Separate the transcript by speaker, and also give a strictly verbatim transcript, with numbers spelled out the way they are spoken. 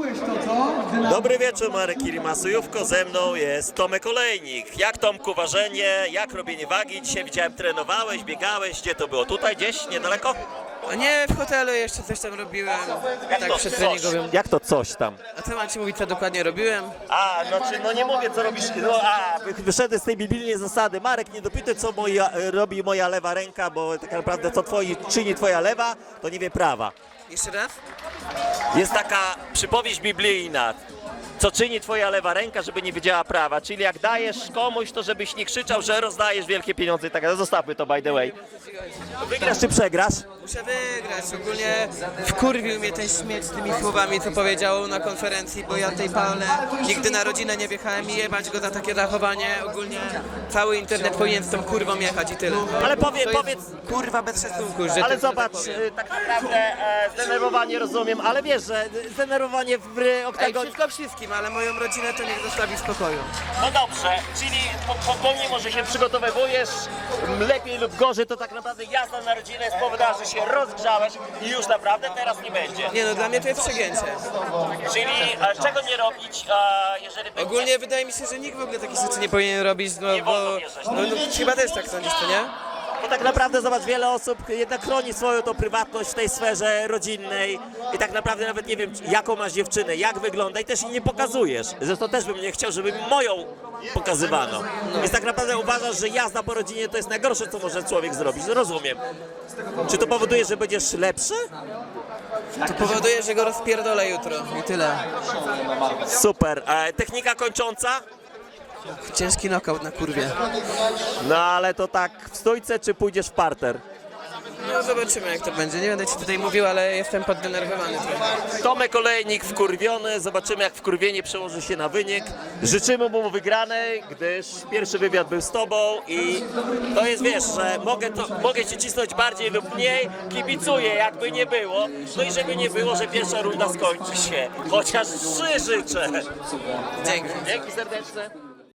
Speaker 1: Dobry wieczór, Marek Irimasujówko, ze mną jest Tomek Olejnik. Jak, Tomku, ważenie, jak robienie wagi? Dzisiaj widziałem, trenowałeś, biegałeś, gdzie to było? Tutaj gdzieś, niedaleko?
Speaker 2: A nie, w hotelu jeszcze coś tam robiłem, tak
Speaker 1: to
Speaker 2: przedtreningowym.
Speaker 1: Jak to coś tam?
Speaker 2: A co mam ci mówić, co dokładnie robiłem?
Speaker 1: A, no czy, no nie mówię, co robisz, no a, wy- wyszedłem z tej biblijnej zasady. Marek, nie dopytaj, co moja, robi moja lewa ręka, bo tak naprawdę co twoi, czyni twoja lewa, to nie wie prawa.
Speaker 2: Jeszcze raz?
Speaker 1: Jest taka przypowieść biblijna, co czyni twoja lewa ręka, żeby nie wiedziała prawa. Czyli jak dajesz komuś, to żebyś nie krzyczał, że rozdajesz wielkie pieniądze i tak dalej. Zostawmy to, by the way. Wygrasz czy przegrasz?
Speaker 2: Muszę wygrać, ogólnie wkurwił mnie ten śmieć z tymi słowami, co powiedział na konferencji, bo ja tej palne nigdy na rodzinę nie wjechałem i jebać go za takie zachowanie. Ogólnie cały internet powinien z tą kurwą jechać i tyle.
Speaker 1: Ale powie,
Speaker 2: To jest,
Speaker 1: powiedz,
Speaker 2: kurwa, bez szacunku, że
Speaker 1: ale
Speaker 2: to-
Speaker 1: zobacz, y, tak naprawdę e, zdenerwowanie rozumiem, ale wiesz, że zdenerwowanie w
Speaker 2: Ej,
Speaker 1: oktagonie...
Speaker 2: wszystko wszystkim, ale moją rodzinę to niech zostawi w spokoju.
Speaker 1: No dobrze, czyli po- po- pomimo, że się przygotowywujesz, m, lepiej lub gorzej, to tak naprawdę jazda na rodzinę spowodowała, że się rozgrzałeś i już naprawdę teraz nie będzie.
Speaker 2: Nie no, dla mnie to jest przegięcie.
Speaker 1: Czyli e, czego nie robić, e, jeżeli będzie...
Speaker 2: Ogólnie wydaje mi się, że nikt w ogóle takich rzeczy nie powinien robić, no
Speaker 1: Nie
Speaker 2: bo...
Speaker 1: wolno wjeżdżać.
Speaker 2: No, no, chyba też tak sądzisz, to nie?
Speaker 1: Bo tak naprawdę, zobacz, wiele osób jednak chroni swoją tą prywatność w tej sferze rodzinnej i tak naprawdę nawet nie wiem, jaką masz dziewczynę, jak wygląda i też jej nie pokazujesz. Zresztą też bym nie chciał, żeby moją pokazywano. Więc tak naprawdę uważasz, że jazda po rodzinie to jest najgorsze, co może człowiek zrobić. No rozumiem. Czy to powoduje, że będziesz lepszy?
Speaker 2: To powoduje, że go rozpierdolę jutro i tyle.
Speaker 1: Super. E, technika kończąca?
Speaker 2: Ciężki knockout na kurwie.
Speaker 1: No ale to tak w stójce, czy pójdziesz w parter?
Speaker 2: No zobaczymy jak to będzie. Nie będę ci tutaj mówił, ale jestem poddenerwowany trochę.
Speaker 1: Tomek Olejnik wkurwiony, zobaczymy jak wkurwienie przełoży się na wynik. Życzymy mu wygranej, gdyż pierwszy wywiad był z tobą i to jest, wiesz, że mogę, to, mogę cię cisnąć bardziej lub mniej, kibicuję jakby nie było, no i żeby nie było, że pierwsza runda skończy się, chociaż trzy życzę.
Speaker 2: Dzięki.
Speaker 1: Dzięki serdeczne.